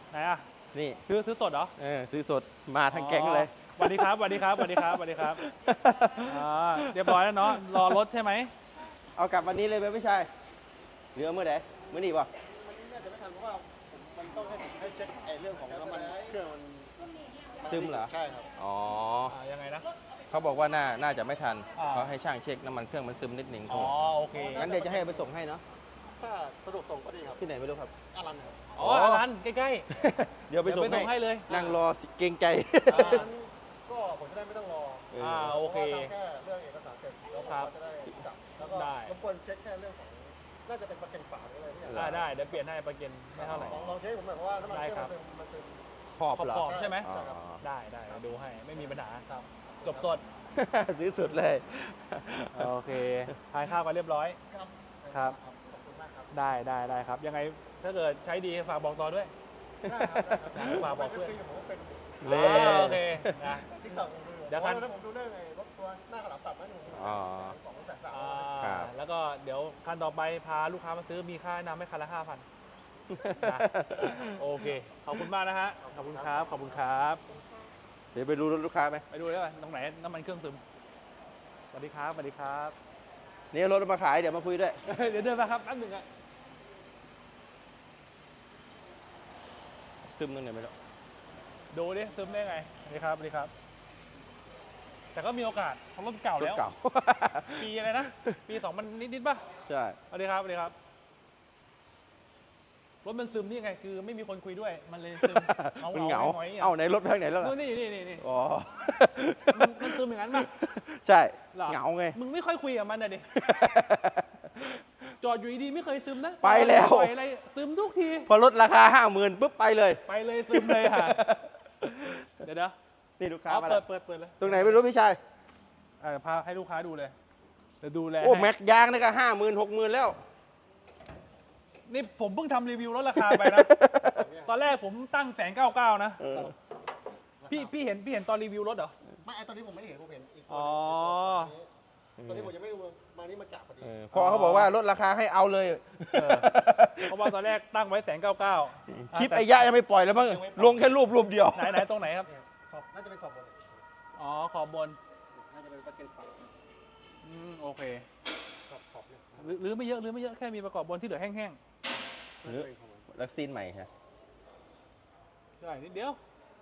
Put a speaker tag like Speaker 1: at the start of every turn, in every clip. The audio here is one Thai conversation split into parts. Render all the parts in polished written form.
Speaker 1: ไหนอ่ะ
Speaker 2: นี่
Speaker 1: ซื้อสดเหรอ
Speaker 2: ซื้อสดมาทั้งแก๊งเลย
Speaker 1: สวัสดีครับสวัสดีครับสวัสดีครับสวัสดีครับเรียบร้อยแล้วเนาะรอรถใช่ไหม
Speaker 2: เอากลับวันนี้เลยไหมพี่ชายหรือเอาเมื่อไหร่เมื่อนี้ป่ะ
Speaker 3: มันน่าจะไม่ทันเพราะว่ามันต้องให้เช็คไอ้เรื่องของน้ำมันเครื่องมัน
Speaker 2: ซึมเหรอ
Speaker 3: ใช่ครับ
Speaker 2: อ๋อ
Speaker 1: ยังไงนะ
Speaker 2: เขาบอกว่าน่าจะไม่ทัน
Speaker 1: อ่า
Speaker 2: เขาให้ช่างเช็คน้ำมันเครื่องมันซึมนิดหนึ่ง
Speaker 1: อ๋อโอเค
Speaker 2: งั้นเดี๋ยวจะให้ไปส่งให้เนาะ
Speaker 3: ถ้าสะดวกส่งก็ดีครับ
Speaker 2: ที่ไหนไม่รู้ครับ
Speaker 3: อารันครับ
Speaker 1: อ๋อร้านใกล้
Speaker 2: เดี๋ยว
Speaker 1: ๆ
Speaker 2: ไปส่ง
Speaker 1: เดี๋ยวให้เลย
Speaker 2: นั่งรอเกรงใจ
Speaker 3: งั้นก็ผมจะได้ไม่ต้องรอ
Speaker 1: โอเค
Speaker 3: พราะว่าทำแค่เรื่องเอกสารเสร็จแล้วผม
Speaker 1: ครับ
Speaker 3: ก็จะได้จับแล้วก็
Speaker 1: ได้
Speaker 3: รบกวนเช็คแค่เรื่องของน่าจะเป็นประกันฝาหรืออะไรที่
Speaker 1: ได้เดี๋ยวเปลี่ยนให้ประเกันไม่เท่าไหร่
Speaker 3: ลองเช็คผมหน่อยเพราะว่าน้ำมันเครื่อง
Speaker 1: ได้ครับ
Speaker 3: มันซึม
Speaker 2: ขอบเหรอ
Speaker 1: ขอบใช่ไหม
Speaker 2: อ๋อ
Speaker 1: ได้ดูให้ไม่มีปัญหา
Speaker 3: ครับ
Speaker 1: จบสด
Speaker 2: ซื้อสุดเลย
Speaker 1: โอเคทานข้าวกันเรียบร้อย
Speaker 3: ครับ
Speaker 1: ครับ
Speaker 3: ขอบคุณมากครับ
Speaker 1: ได้ครับ ยังไงถ้าเกิดใช้ดีฝากบอกต่อด้วย
Speaker 3: ได้ครับได้ครับ
Speaker 1: ฝากบอกเพื่อน
Speaker 3: ผมก็เป็น
Speaker 2: เล่
Speaker 1: โอเคนะ
Speaker 3: ติ๊กต็อกผมดู
Speaker 1: เดี๋ยว
Speaker 3: เพราะว่าตอนนั้นผมดูเรื่องไอ้รถตัวหน้ากระหล่ำตัดนั่นผม
Speaker 2: อ๋อ
Speaker 3: 200,000
Speaker 2: ครับ
Speaker 1: แล้วก็เดี๋ยวคันต่อไปพาลูกค้ามาซื้อมีค่าแนะนำให้คันละ 5,000นะโอเค ขอบคุณมากนะฮะ ขอบคุณครับ ขอบคุณครับ
Speaker 2: เดี๋ยวไปดูรถลูกค้าไหม
Speaker 1: ไปดูได้ป่ะตรงไหนน้ำมันเครื่องซึมสวัสดีครับสวัสดีครับ
Speaker 2: นี่รถเอามาขายเดี๋ยวมาคุยด้วย
Speaker 1: เดี๋ยวเดินมาครับแป๊บหนึงอะ
Speaker 2: ซึมตรงไหนไม่รู้
Speaker 1: ดูดิซึมได้ไงสวัสดีครับสวัสดีครับ แต่ก็มีโอกาสเพราะรถเก่าร
Speaker 2: ถ
Speaker 1: แล้ว
Speaker 2: เก่า
Speaker 1: ปีอะไรนะ ปี2000นิดป่ะ
Speaker 2: ใช่
Speaker 1: สวัสดีครับสวัสดีครับ รถมันซึมนี่ไง คือไม่มีคนคุยด้วย มันเลยซึม
Speaker 2: มันเหงา
Speaker 1: หงอยๆ
Speaker 2: เอ้าไหนรถไปทางไหนแล้วล่ะ
Speaker 1: นี่นี่
Speaker 2: อ๋อ
Speaker 1: มันซึมอย่างนั้นป่ะ
Speaker 2: ใช่
Speaker 1: หรอ
Speaker 2: เหงาไง
Speaker 1: มึงไม่ค่อยคุยกับมันนะดิ จอดอยู่ดีๆไม่เคยซึมนะ
Speaker 2: ไปแล้ว
Speaker 1: ปล่อยอะไรซึมทุกที
Speaker 2: พอลดราคา 50,000ปุ๊บไปเลย
Speaker 1: ไปเลยซึมเลยค่ะ เดี๋ยว
Speaker 2: นี่ลูกค้า
Speaker 1: เอา
Speaker 2: มา
Speaker 1: เปิ
Speaker 2: แล้
Speaker 1: ด
Speaker 2: ว
Speaker 1: เปิดเลย
Speaker 2: ตรงไหนไม่รู้พี่ชาย
Speaker 1: พาให้ลูกค้าดูเลยเดี๋ยวดูแล
Speaker 2: โอ้
Speaker 1: ให้
Speaker 2: แม็กยางนี่ก็50,000 60,000แล้ว
Speaker 1: นี่ผมเพิ่งทำรีวิวลดราคาไปนะ ตอนแรกผมตั้ง199,000นะ
Speaker 2: เออ
Speaker 1: พี่เห็นตอนรีวิวรถเหรอ
Speaker 3: ไม่ไอ้ตอนนี้ผมไม่ได้เห็นผมเห็นอีก
Speaker 1: อ๋อ
Speaker 3: ตอนนี้ผมยังไม่รู้มานี่มาจับพอดี
Speaker 2: พอเขาบอกว่าลดราคาให้เอาเลย
Speaker 1: เพราะว่าตอนแรกตั้งไว้199,000
Speaker 2: คลิปไอ้ยะยังไม่ปล่อยแล้วมั้งลงแค่รูปเดียว
Speaker 1: ไหนตรงไหนครับ
Speaker 3: เนี่ยขอบน่าจะเป็นขอบบน
Speaker 1: อ๋อขอบบน
Speaker 3: น่าจะเป็นประกันฝา
Speaker 1: โอเค
Speaker 3: ขอบเนี่ย
Speaker 1: หรือไม่เยอะแค่มีประกอบบนที่เหลือแห้ง
Speaker 2: หรือลักซีนใหม่ฮะ
Speaker 1: ๆได้นิดเดียว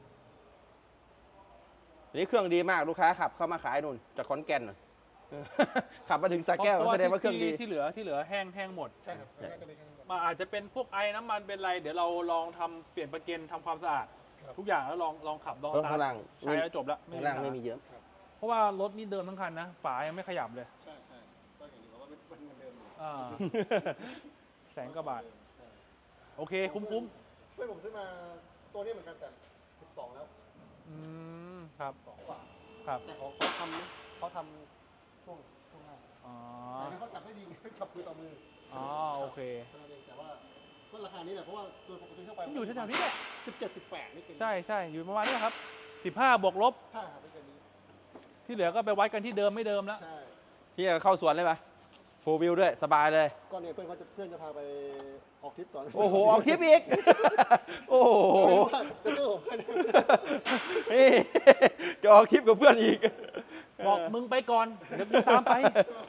Speaker 2: อันนี้เครื่องดีมากลูกค้าขับเข้ามาขายนู่นจากขอนแก่นน่ะ ขับมาถึงสระแก้วแสดงว่าเครื่องดี
Speaker 1: ที่เหลือแห้งหมด
Speaker 3: ใช่ครับน่าจะเป็น
Speaker 1: มาอาจจะเป็นพวกไอ้น้ำมันเป็นไร เดี๋ยวเราลองทำเปลี่ยนประเกันทำความสะอาด ทุกอย่างแล้วลองขับลอง
Speaker 2: รถข้างล่าง
Speaker 1: ใช้แล้วจบแล้ว
Speaker 2: ข้างล่างไม่มีเยอะ
Speaker 1: เพราะว่ารถนี่เดิมทั้งคันนะฝายังไม่ขยับเลย
Speaker 3: ใช่ก็เห็นอยู่ว่ามันเดิมอยู่
Speaker 1: 100,000 กว่าบาท โอเคคุ้ม
Speaker 3: เพื่อนผมซื้อมาตัวนี้เหมือนกันแต่12แล้ว
Speaker 1: ครับ
Speaker 3: 2กว่า
Speaker 1: ครับ
Speaker 3: แต่เขาทำช่วงหน้า
Speaker 1: อ๋อ
Speaker 3: แต่เขาจับได้ดีไงจับมือต่อมือ
Speaker 1: อ๋อโอเค
Speaker 3: แต่ว่าก็ราคานี้แหละเพราะว่าโดยปกติทั่วไป
Speaker 1: มันอยู่แถวๆนี้แหละ
Speaker 3: 17 18นี่เป็น
Speaker 1: ใช่อยู่ประมาณนี้ครับ15บวกลบ
Speaker 3: ใช่ครับไม่เกินนี้
Speaker 1: ที่เหลือก็ไปวัดกันที่เดิมไม่เดิมแล้ว
Speaker 3: ใช่
Speaker 2: พี่จะเข้าสวนเลยปะโฟวิวด้วยสบายเลย
Speaker 3: ก็เนี่ยเพื่อนจะพาไปออกทริปตอน
Speaker 2: โอ้โหออกคลิปอีก โอ้โห
Speaker 3: จะซื้อผมเพื่อน
Speaker 2: นี่จะออกคลิปกับเพื่อนอีก
Speaker 1: บอกมึงไปก่อน เดี๋ยวกูตามไป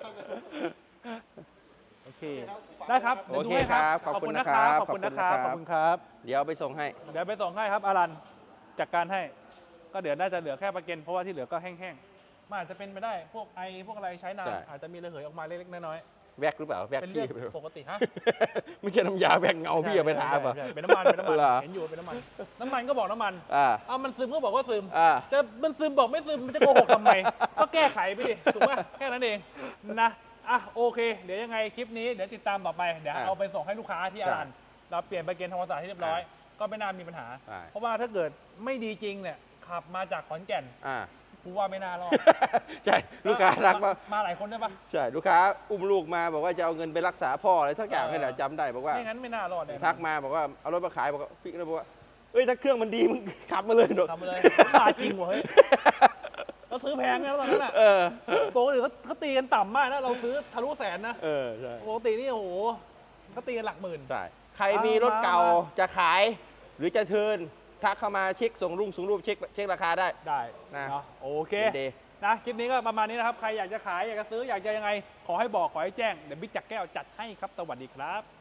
Speaker 1: โอเค ได้ครับ
Speaker 2: โอเค
Speaker 1: ดี๋ยวดูให้
Speaker 2: ครับขอบคุณนะครับ
Speaker 1: ขอบคุณนะครับ ขอบคุณครับ
Speaker 2: เดี๋ยวไปส่งให้
Speaker 1: เดี๋ยวไปส่งให้ครับอารันจัดการให้ ก็เดี๋ยวน่าจะเหลือแค่ประเก็นเพราะว่าที่เหลือก็แห้งๆมันอาจจะเป็นไปได้ พวกไอพวกอะไรใช้นาน
Speaker 2: ใช่
Speaker 1: อาจจะมีระเหยออกมาเล็กๆน้อย
Speaker 2: แวกหรือเปล่าแว
Speaker 1: ๆ
Speaker 2: ก
Speaker 1: เป็น
Speaker 2: พี่
Speaker 1: เรื่องปกติฮะ
Speaker 2: ไม่ใช่น้ำยาแวกเงาพี่เอาไปทาป่ะ
Speaker 1: ใช่เป็นน้ำมันเป็นน้ำมัน
Speaker 2: เหรอ
Speaker 1: เห็นอยู่เป็นน้ำมันน้ำมันก็บอกน้ำมัน มันซึมก็บอกว่าซึม แต่มันซึมบอกไม่ซึมมันจะโกหกทำไม ก็แก้ไขไปดิถูกป่ะแค่นั้นเองนะโอเค เดี๋ยวยังไงคลิปนี้เดี๋ยวติดตามต่อไปเดี๋ยวเอาไปส่งให้ลูกค้าที่อารันเราเปลี่ยนไปเกณฑ์ธรรมศาสตร์ที่เรียบร้อย ก็ไม่น่ามีปัญหา เพราะว่าถ้าเกิดไม่ดีจริงเนี่ยขับมาจากขอนแก่นกูว่าไม่น่ารอด
Speaker 2: ใช่ลูกค้ารักมาก
Speaker 1: มาหลายคนได้ปะ
Speaker 2: ใช่ลูกค้าอุ้มลูกมาบอกว่าจะเอาเงินไปรักษาพ่ออะไรทักอย่างให้แหละจำได้บอกว่า
Speaker 1: ไม่งั้นไม่น่ารอดเลย
Speaker 2: ทักมาบอกว่าเอารถมาขายบอกว่าพี่ก็เลยบอกว่าเอ้ยถ้าเครื่องมันดีมึงขับมาเลยหน
Speaker 1: ทำมาเลยบาจริงวะเฮ้ยเราซื้อแพงนะตอนนั้นอ่ะปกติเขาตีกันต่ำมากนะเราซื้อทะลุแสนนะ
Speaker 2: ใช่
Speaker 1: ปกตินี่โอ้โหเขาตีกันหลักหมื่น
Speaker 2: ใช่ใครมีรถเก่าจะขายหรือจะเทิร์นทักเข้ามาเช็คส่งรูปเช็คราคาได้
Speaker 1: ได้
Speaker 2: นะ
Speaker 1: เนาะโอเค
Speaker 2: ยินดี
Speaker 1: นะคลิปนี้ก็ประมาณนี้นะครับ ใครอยากจะขายอยากจะซื้ออยากจะยังไง ขอให้บอกขอให้แจ้งเดี๋ยวบิ๊กจักรแก้วจัดให้ครับสวัสดีครับ